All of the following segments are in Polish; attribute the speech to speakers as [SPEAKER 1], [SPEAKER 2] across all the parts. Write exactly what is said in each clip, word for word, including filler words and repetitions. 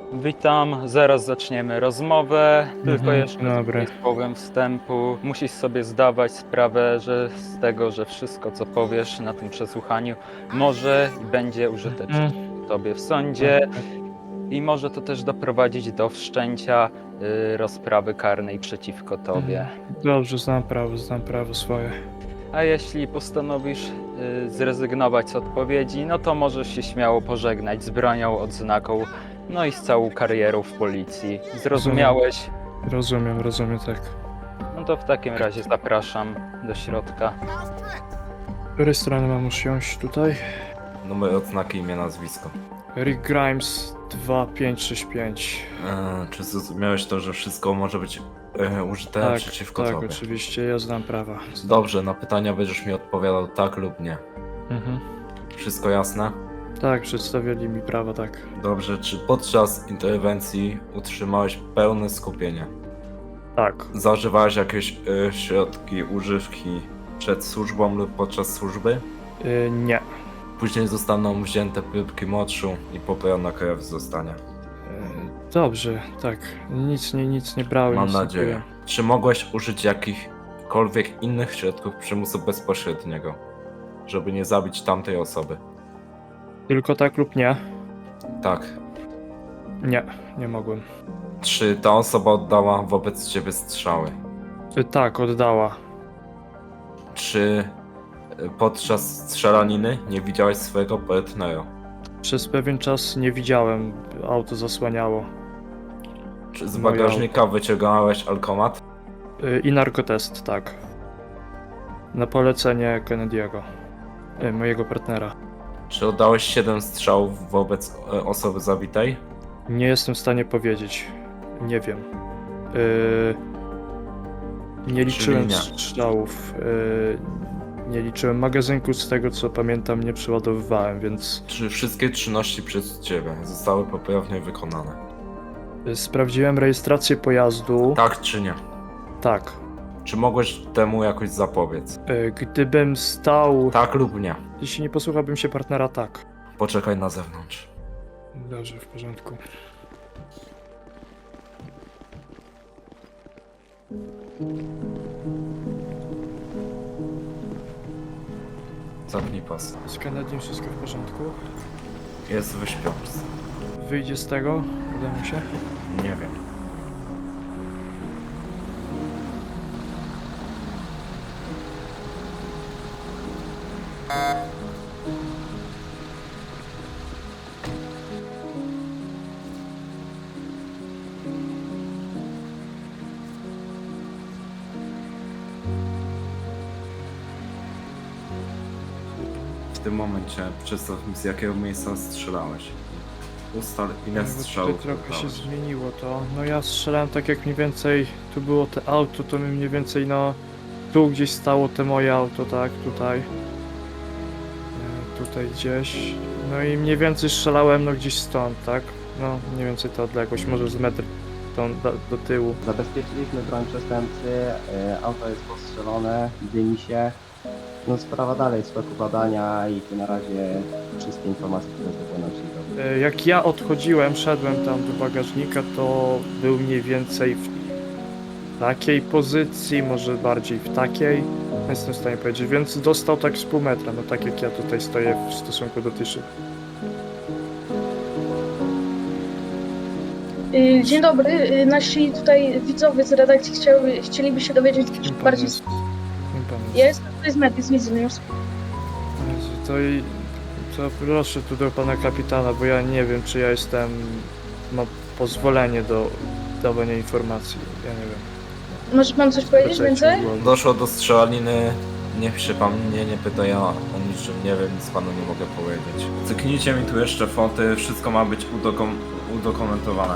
[SPEAKER 1] Witam, zaraz zaczniemy rozmowę. Tylko
[SPEAKER 2] Mhm,
[SPEAKER 1] jeszcze
[SPEAKER 2] dobra.
[SPEAKER 1] z słowem wstępu. Musisz sobie zdawać sprawę, że z tego, że wszystko co powiesz na tym przesłuchaniu może i będzie użyteczne
[SPEAKER 2] Mhm.
[SPEAKER 1] tobie w
[SPEAKER 2] Tak,
[SPEAKER 1] sądzie
[SPEAKER 2] tak.
[SPEAKER 1] i może to też doprowadzić do wszczęcia y, rozprawy karnej przeciwko tobie.
[SPEAKER 2] Mhm. Dobrze, znam prawo, znam prawo swoje.
[SPEAKER 1] A jeśli postanowisz y, zrezygnować z odpowiedzi, no to możesz się śmiało pożegnać z bronią, odznaką, no i z całą karierą w policji. Zrozumiałeś?
[SPEAKER 2] Rozumiem, rozumiem, tak.
[SPEAKER 1] No to w takim razie zapraszam do środka.
[SPEAKER 2] Z której strony mam usiąść tutaj?
[SPEAKER 3] Numer odznaki, imię, nazwisko.
[SPEAKER 2] Rick Grimes dwa pięć sześć pięć.
[SPEAKER 3] E, czy zrozumiałeś to, że wszystko może być e, użyte
[SPEAKER 2] Tak,
[SPEAKER 3] przeciwko
[SPEAKER 2] tak,
[SPEAKER 3] tobie?
[SPEAKER 2] oczywiście, ja znam prawa.
[SPEAKER 3] Dobrze, na pytania będziesz mi odpowiadał tak lub nie.
[SPEAKER 2] Mhm.
[SPEAKER 3] Wszystko jasne?
[SPEAKER 2] Tak, przedstawili mi prawa, tak.
[SPEAKER 3] Dobrze, czy podczas interwencji utrzymałeś pełne skupienie?
[SPEAKER 2] Tak.
[SPEAKER 3] Zażywałeś jakieś e, środki używki przed służbą lub podczas służby?
[SPEAKER 2] Y, nie.
[SPEAKER 3] Później zostaną wzięte próbki moczu i pobrana krew zostanie.
[SPEAKER 2] Y, dobrze, tak. Nic nie, nic nie brałem.
[SPEAKER 3] Mam
[SPEAKER 2] nic nie
[SPEAKER 3] nadzieję.
[SPEAKER 2] piłem.
[SPEAKER 3] Czy mogłeś użyć jakichkolwiek innych środków przymusu bezpośredniego, żeby nie zabić tamtej osoby?
[SPEAKER 2] Tylko tak lub nie?
[SPEAKER 3] Tak.
[SPEAKER 2] Nie, nie mogłem.
[SPEAKER 3] Czy ta osoba oddała wobec ciebie strzały?
[SPEAKER 2] Y, tak, oddała.
[SPEAKER 3] Czy y, podczas strzelaniny nie widziałeś swojego partnera?
[SPEAKER 2] Przez pewien czas nie widziałem, auto zasłaniało.
[SPEAKER 3] Czy z
[SPEAKER 2] Moje
[SPEAKER 3] bagażnika wyciągałeś alkomat?
[SPEAKER 2] Y, I narkotest, tak. Na polecenie Kennedy'ego, y, mojego partnera.
[SPEAKER 3] Czy oddałeś siedem strzałów wobec e, osoby zabitej?
[SPEAKER 2] Nie jestem w stanie powiedzieć. Nie wiem. Y, nie liczyłem
[SPEAKER 3] nie.
[SPEAKER 2] strzałów. y, Nie liczyłem magazynku, z tego co pamiętam, nie przeładowywałem, więc
[SPEAKER 3] Czy wszystkie czynności przez ciebie zostały poprawnie wykonane?
[SPEAKER 2] y, sprawdziłem rejestrację pojazdu.
[SPEAKER 3] Tak czy nie?
[SPEAKER 2] Tak.
[SPEAKER 3] Czy mogłeś temu jakoś zapobiec?
[SPEAKER 2] Y, Gdybym stał.
[SPEAKER 3] Tak lub nie?
[SPEAKER 2] Jeśli nie posłuchałbym się partnera, tak.
[SPEAKER 3] Poczekaj na zewnątrz.
[SPEAKER 2] Dobrze, w porządku.
[SPEAKER 3] Zapnij pas.
[SPEAKER 2] Z Kennedy'em wszystko w porządku?
[SPEAKER 3] Jest w śpiączce.
[SPEAKER 2] Wyjdzie z tego? Uda mu się?
[SPEAKER 3] Nie wiem. W tym momencie przedstaw mi, z jakiego miejsca strzelałeś. Ustal, ile
[SPEAKER 2] No bo
[SPEAKER 3] strzałów
[SPEAKER 2] tutaj trochę się
[SPEAKER 3] oddałeś.
[SPEAKER 2] zmieniło to. No ja strzelałem tak jak mniej więcej, tu było te auto, to mi mniej więcej no tu gdzieś stało te moje auto, tak, tutaj. E, Tutaj gdzieś. No i mniej więcej strzelałem no gdzieś stąd, tak? No mniej więcej ta odległość, może z metr tą, do, do tyłu.
[SPEAKER 4] Zabezpieczyliśmy broń przestępcy, e, auto jest postrzelone, dymi się. No sprawa dalej w toku badania i tu na razie wszystkie informacje, które zapłyną się do
[SPEAKER 2] E, Jak ja odchodziłem, szedłem tam do bagażnika, to był mniej więcej w takiej pozycji, może bardziej w takiej. Nie jestem w stanie powiedzieć, więc dostał tak z pół metra, no tak jak ja tutaj stoję w stosunku do tej szyby.
[SPEAKER 5] Y, Dzień dobry, y, nasi tutaj widzowie z redakcji chciały, chcieliby się dowiedzieć
[SPEAKER 2] Kim pan
[SPEAKER 5] bardziej.
[SPEAKER 2] jest? Kim pan jest?
[SPEAKER 5] Ja jestem tutaj z Medy, z Widzę News.
[SPEAKER 2] Jezu, To, i, to proszę tu do pana kapitana, bo ja nie wiem, czy ja jestem, mam pozwolenie do dawania informacji, ja nie wiem.
[SPEAKER 5] Może pan coś powiedzieć
[SPEAKER 2] Poczekajcie,
[SPEAKER 5] więcej?
[SPEAKER 2] bo-
[SPEAKER 3] Doszło do strzelaniny. Niech się pan mnie nie pyta, ja o niczym nie wiem, nic panu nie mogę powiedzieć. Cyknijcie mi tu jeszcze foty, wszystko ma być udokum udokumentowane.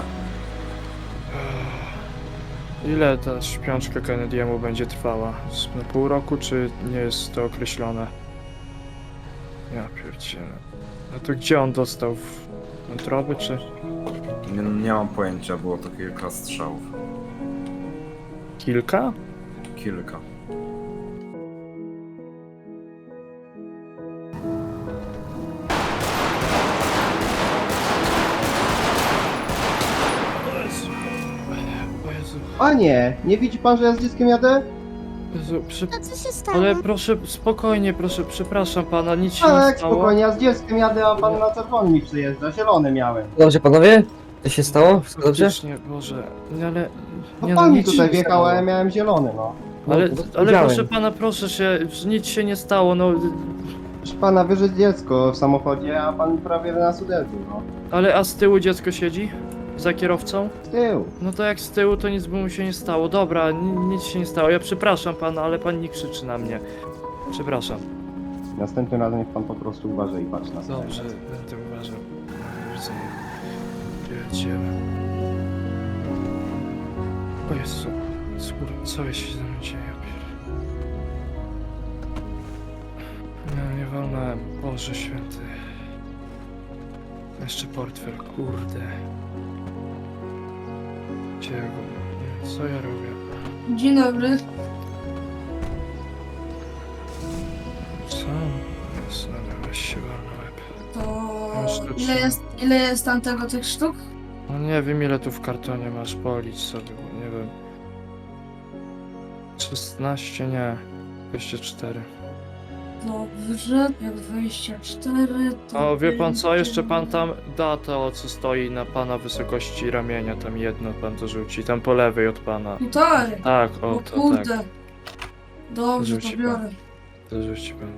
[SPEAKER 2] Ile ta śpiączka Kennedy'emu będzie trwała? Z- Na pół roku, czy nie jest to określone? Ja pierdzielę. No to gdzie on dostał? W wątroby, czy?
[SPEAKER 3] Nie, nie mam pojęcia, było to kilka strzałów.
[SPEAKER 2] Kilka?
[SPEAKER 3] Kilka.
[SPEAKER 4] Panie, nie widzi pan, że ja z dzieckiem jadę?
[SPEAKER 2] Jezu, przy...
[SPEAKER 6] A co się stało?
[SPEAKER 2] Ale proszę, spokojnie, proszę, przepraszam pana, nic się
[SPEAKER 4] Tak,
[SPEAKER 2] nie stało.
[SPEAKER 4] spokojnie, ja z dzieckiem jadę, a pan na czerwony mi przyjeżdża, zielony miałem.
[SPEAKER 7] Dobrze panowie? Co się stało? Wszystko dobrze?
[SPEAKER 2] Faktycznie, Boże, nie, ale...
[SPEAKER 4] No
[SPEAKER 2] Nie,
[SPEAKER 4] pan mi
[SPEAKER 2] nic
[SPEAKER 4] tutaj
[SPEAKER 2] się nie
[SPEAKER 4] wjechał, a ja
[SPEAKER 2] stało.
[SPEAKER 4] miałem zielony, no.
[SPEAKER 2] Ale,
[SPEAKER 7] No,
[SPEAKER 2] ale
[SPEAKER 7] widziałem.
[SPEAKER 2] proszę pana, proszę się, nic się nie stało, no...
[SPEAKER 4] Proszę pana, wyżyć dziecko w samochodzie, a pan prawie nas uderzył, no.
[SPEAKER 2] Ale a z tyłu dziecko siedzi? Za kierowcą?
[SPEAKER 4] Z tyłu.
[SPEAKER 2] No to jak z tyłu, to nic by mu się nie stało. Dobra, ni- nic się nie stało. Ja przepraszam pana, ale pan nie krzyczy na mnie. Przepraszam.
[SPEAKER 4] Następnym razem niech pan po prostu uważa i patrzy na sobie.
[SPEAKER 2] Dobrze, będę uważał. Widzę. Jedziemy. O Jezu, skóra, co się ze mną dzieje? Ja pier- Nie, nie wolnałem. Boże święty. Jeszcze portfel, kurde. Gdzie ja go... nie, co ja robię?
[SPEAKER 6] Dzień dobry.
[SPEAKER 2] Co? Jest, dobra, weź się wal na łeb.
[SPEAKER 6] To
[SPEAKER 2] Masz tu
[SPEAKER 6] ile
[SPEAKER 2] trzy.
[SPEAKER 6] jest, ile jest tam tego tych sztuk?
[SPEAKER 2] No nie wiem ile tu w kartonie masz, policz sobie, bo nie wiem. szesnaście, nie. dwieście cztery.
[SPEAKER 6] Dobrze, jak dwadzieścia cztery to
[SPEAKER 2] O, wie pan co,
[SPEAKER 6] będzie-
[SPEAKER 2] jeszcze pan tam da to, co stoi na pana wysokości ramienia, tam jedno pan to rzuci, tam po lewej od pana.
[SPEAKER 6] Tutaj!
[SPEAKER 2] Tak, o
[SPEAKER 6] O
[SPEAKER 2] to, tak.
[SPEAKER 6] kurde. Dobrze,
[SPEAKER 2] Rzuci
[SPEAKER 6] to
[SPEAKER 2] pan.
[SPEAKER 6] biorę.
[SPEAKER 2] To rzuci pan.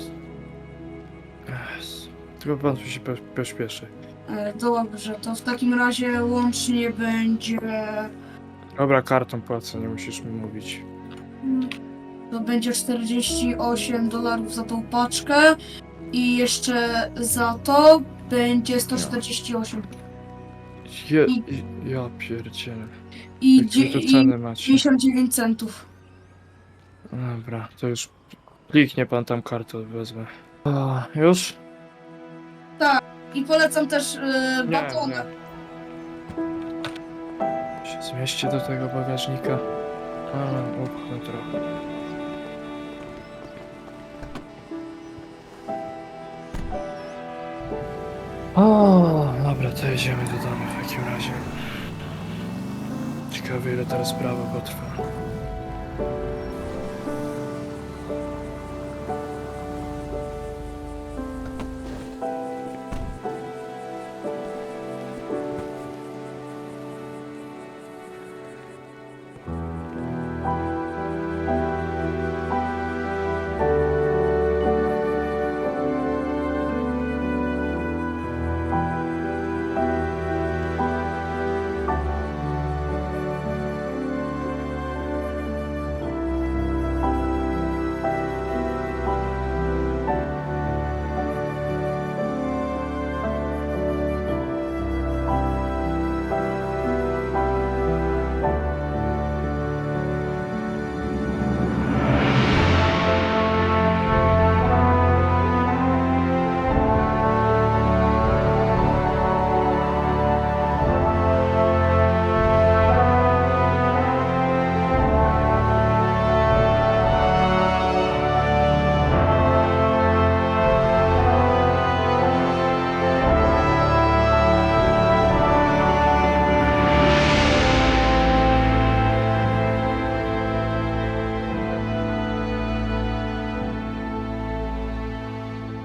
[SPEAKER 2] Yes. Tylko pan tu się po- pośpieszy.
[SPEAKER 6] E, Dobrze, to w takim razie łącznie będzie...
[SPEAKER 2] Dobra, kartą płacę, nie musisz mi mówić.
[SPEAKER 6] mm, To będzie czterdzieści osiem dolarów za tą paczkę i jeszcze za to będzie sto czterdzieści osiem.
[SPEAKER 2] Je,
[SPEAKER 6] I-
[SPEAKER 2] ja pierdzielę.
[SPEAKER 6] I,
[SPEAKER 2] Jakie
[SPEAKER 6] dzie-
[SPEAKER 2] tu
[SPEAKER 6] i
[SPEAKER 2] ceny macie?
[SPEAKER 6] pięćdziesiąt dziewięć centów.
[SPEAKER 2] Dobra, to już kliknie pan tam kartę, wezmę. O, już?
[SPEAKER 6] I polecam też e,
[SPEAKER 2] Nie,
[SPEAKER 6] batony.
[SPEAKER 2] nie. Się zmieści do tego bagażnika. A, upchnę trochę. O, dobra, to jedziemy do domu w takim razie. Ciekawe ile teraz sprawa potrwa.